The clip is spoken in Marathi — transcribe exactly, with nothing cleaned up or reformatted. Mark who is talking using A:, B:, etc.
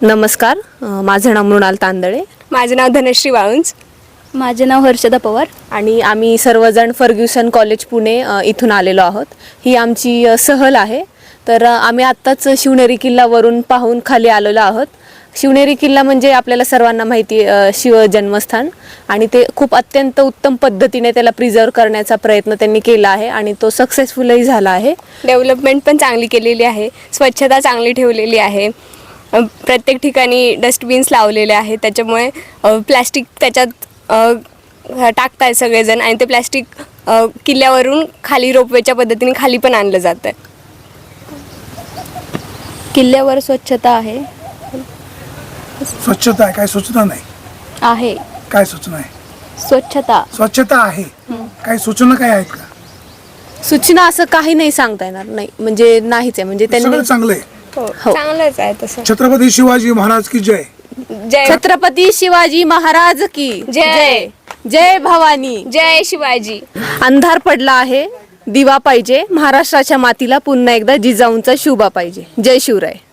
A: नमस्कार, अ, माझं नाव मृणाल तांदळे.
B: माझं नाव धनश्री वाळुंज.
C: माझे नाव हर्षदा पवार.
A: आणि आम्ही सर्वजण फर्ग्युसन कॉलेज पुणे अ, इथून आलेलो आहोत. ही आमची अ, सहल आहे. तर अ, आम्ही आत्ताच शिवनेरी किल्ल्यावरून पाहून खाली आलेलो आहोत. शिवनेरी किल्ला म्हणजे आपल्याला सर्वांना माहिती अ, शिव जन्मस्थान, आणि ते खूप अत्यंत उत्तम पद्धतीने त्याला प्रिझर्व करण्याचा प्रयत्न त्यांनी केला आहे आणि तो सक्सेसफुलही झाला आहे.
B: डेव्हलपमेंट पण चांगली केलेली आहे, स्वच्छता चांगली ठेवलेली आहे. अ, प्रत्येक ठिकाणी डस्टबिन्स लावलेले आहेत, त्याच्यामुळे प्लॅस्टिक त्याच्यात अ, टाकताय सगळेजण, आणि ते प्लॅस्टिक अ, किल्ल्यावरून खाली रोपवेच्या पद्धतीने खाली पण आणलं जातं आहे.
C: किल्ल्यावर स्वच्छता आहे
D: स्वच्छता आहे, काय सूचना नाही.
C: आहे
D: काय सूचना आहे?
C: स्वच्छता
D: स्वच्छता आहे, काही सूचना काय आहेत का?
A: सूचना असं काही नाही सांगता येणार नाही, म्हणजे नाहीच आहे. म्हणजे
D: सगळं
A: त्यांनी
D: चांगलं आहे.
B: हो,
A: हो.
B: चांगलंच आहे तसं.
D: छत्रपती शिवाजी महाराज की जय.
B: जय
A: छत्रपती शिवाजी महाराज की
B: जय.
A: जय भवानी.
B: जय शिवाजी.
A: अंधार पडला आहे, दिवा पाहिजे. महाराष्ट्राच्या मातीला पुन्हा एकदा जिजाऊंचा शुभा पाहिजे. जय शिवराय.